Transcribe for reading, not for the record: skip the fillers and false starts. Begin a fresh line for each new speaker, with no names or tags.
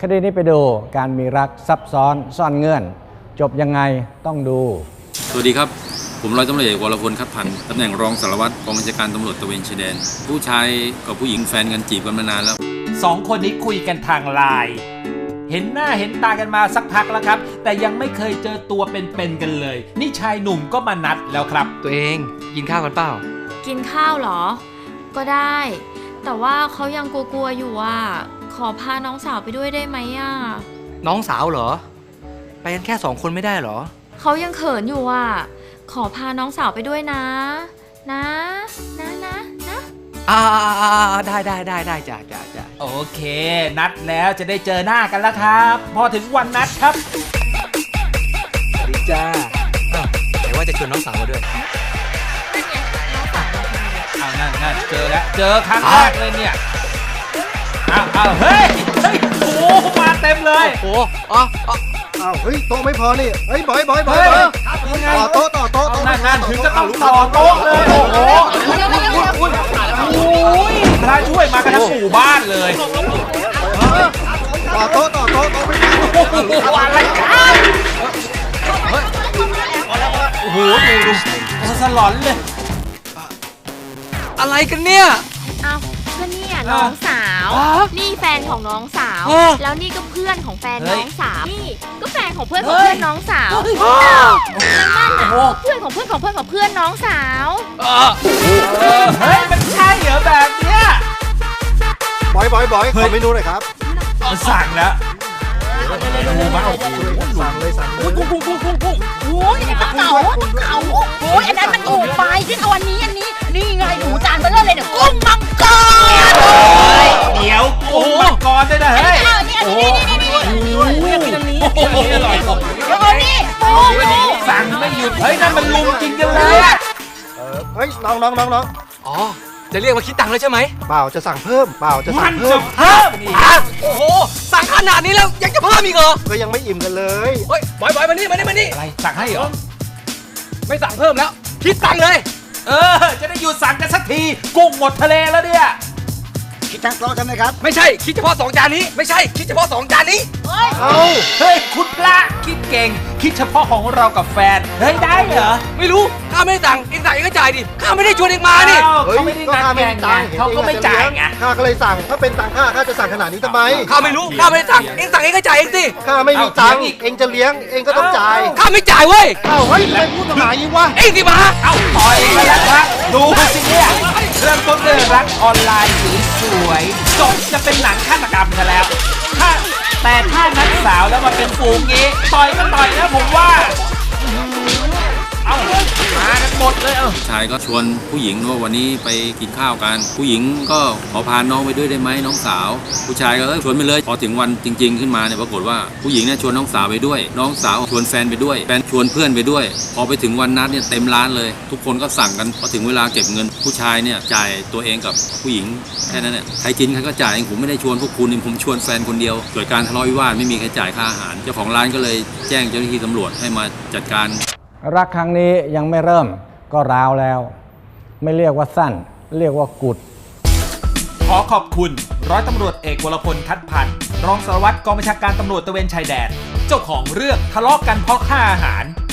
คดีนี้ไปดูการมีรักซับซ้อนซ่อนเงื่อนจบยังไงต้องดู
สวัสดีครับผมร้อยตำรวจเอกวรพลคัดพันธ์ตำแหน่งรองสารวัตรกองบัญชาการตำรวจตระเวนชายแดนผู้ชายกับผู้หญิงแฟนกันจีบกันมานานแล้ว
2 คนนี้คุยกันทางไลน์เห็นหน้าเห็นตากันมาสักพักแล้วครับแต่ยังไม่เคยเจอตัวเป็นๆกันเลยนี่ชายหนุ่มก็มานัดแล้วครับ
ตัวเองกินข้าวกันเปล่า
กินข้าวเหรอก็ได้แต่ว่าเขายังกลัวๆอยู่อ่ะขอพาน้องสาวไปด้วยได้ไหมอ่ะ
น้องสาวเหรอไปกันแค่2 คนไม่ได้เหรอ
เขายังเขินอยู่อ่ะขอพาน้องสาวไปด้วยนะ
ได้จ้ะ
โอเคนัดแล้วจะได้เจอหน้ากันแล้วครับพอถึงวันนัดครับ
สวัสดีจ้าไหนว่าจะชวนน้องสาวมาด้วย
นั่นเจอแล้วเจอครั้งแรกเลยเนี่ยเฮ้ยโอ้มาเต็มเลย
โอ้
เฮ้ยโต๊ะไม่พอนี่เฮ้ยบอยต่อโต๊ะ
นั่นถึงจะต้องต่อโต๊ะเลยโอ้โหพระช่วยมากันทั้งหมู่บ้านเลย
ต่อโต๊ะ
อะไรกันโอ้โหดูสลอนเลย
อะไรกันเนี่ย
ก็เนี่ยน้องสาวนี่แฟนของน้องสาวแล้วนี่ก็เพื่อนของแฟนน้องสาวนี่ก็แฟนของเพื่อนของเพื่อนน้องสาวแล้วนั่นน่ะเพื่อนของเพื่อนของเพื่อนน้องสาว
เฮ้ยมันใช่เหรอแบบเนี้ย
บอยขอเมนูหน่อยครับ
สั่งแล้ว
สั่งเลย
กุ้งโอ้ยกระเก๋าโอ้ยอันนั้นมันถูกไปที่เอาอันนี้นี่ไงหนูจานเบลเลอร์เลยเนี่ยกุ้งมังกร
เดี๋ยวกุ้งมังกรด้วยนะเฮ้ย
โอ้ยอยากกินอันนี้อร่อยเดี๋ยวนี่
สั่งไม่หยุดเฮ้ยนั่นมันลุมกินกันเลย
เฮ้ยน้อง
อ๋อจะเรียกว่าคิดตังค์เลยใช่ไหม
เปล่าจะสั่งเพิ่ม
โอ้โหสั่งขนาดนี้แล้วยังจะเพิ่มอีกเหรอ
ก็ยังไม่อิ่มกันเลย
เฮ้ยบอยมานี่
อะไรสั่งให้เหรอ
ไม่สั่งเพิ่มแล้วคิดตังค์เลย
จะได้หยุดสั่งกันสักทีกุ้งหมดทะเลแล้วเนี่ย
คิดทั้งโต๊ะใช่ไหมครับ
ไม่ใช่คิดเฉพาะ2 จานนี้ไม่ใช่คิดเฉพาะ2 จานนี้
เฮ้ยคุณพระคิดเก่งคิดเฉพาะของเรากับแฟนเฮ้ยได้เหรอ
ไม่รู้ข้าไม่ได้สั่งเองสั่งเองก็จ่ายดิข้าไม่ได้ชวนเองมานี่
เขาไม่ได้งานแข่งไงเขาก็ไม่จ่ายไง
ข้าก็เลยสั่งถ้าเป็นตังข้าจะสั่งขนาดนี้ทำไม
ข้าไม่รู้ข้าไม่ได้สั่งเองสั่งเองก็จ่ายเองสิ
ข้าไม่มีตังเองจะเลี้ยงเองก็ต้องจ่าย
ข้าไม่จ่ายเว้ย
เฮ้ยไม่พูดทำไมยิ่งวะ
เองสิมา
ต่อยกันแล้วครับดูสิเนี่ยเริ่มต้นด้วยรักออนไลน์สวยจบจะเป็นหนังฆาตกรรมกันแล้วแต่ถ้านักสาวแล้วมาเป็นฝูงงี้ต่อยนะผมว่าเอามากันหมดเลย
ชายก็ชวนผู้หญิงว่าวันนี้ไปกินข้าวกันผู้หญิงก็ขอพาน้องไปด้วยได้ไหมน้องสาวผู้ชายก็ชวนไปเลยพอถึงวันจริงๆขึ้นมาเนี่ยปรากฏว่าผู้หญิงเนี่ยชวนน้องสาวไปด้วยน้องสาวชวนแฟนไปด้วยแฟนชวนเพื่อนไปด้วยพอไปถึงวันนัดเนี่ยเต็มร้านเลยทุกคนก็สั่งกันพอถึงเวลาเก็บเงินผู้ชายเนี่ยจ่ายตัวเองกับผู้หญิงแค่นั้นเนี่ยใครกินใครก็จ่ายเองผมไม่ได้ชวนพวกคุณผมชวนแฟนคนเดียวเกิดการทะเลาะวิวาทไม่มีใครจ่ายค่าอาหารเจ้าของร้านก็เลยแจ้งเจ้าหน้าที่ตำรวจให้มาจัดการ
รักครั้งนี้ยังไม่เริ่มก็ร้าวแล้วไม่เรียกว่าสั้นเรียกว่ากุด
ขอขอบคุณร้อยตำรวจเอกวรพลคัดพันธ์รองสารวัตรกองบัญชาการตำรวจตระเวนชายแดนเจ้าของเรื่องทะเลาะกันเพราะค่าอาหาร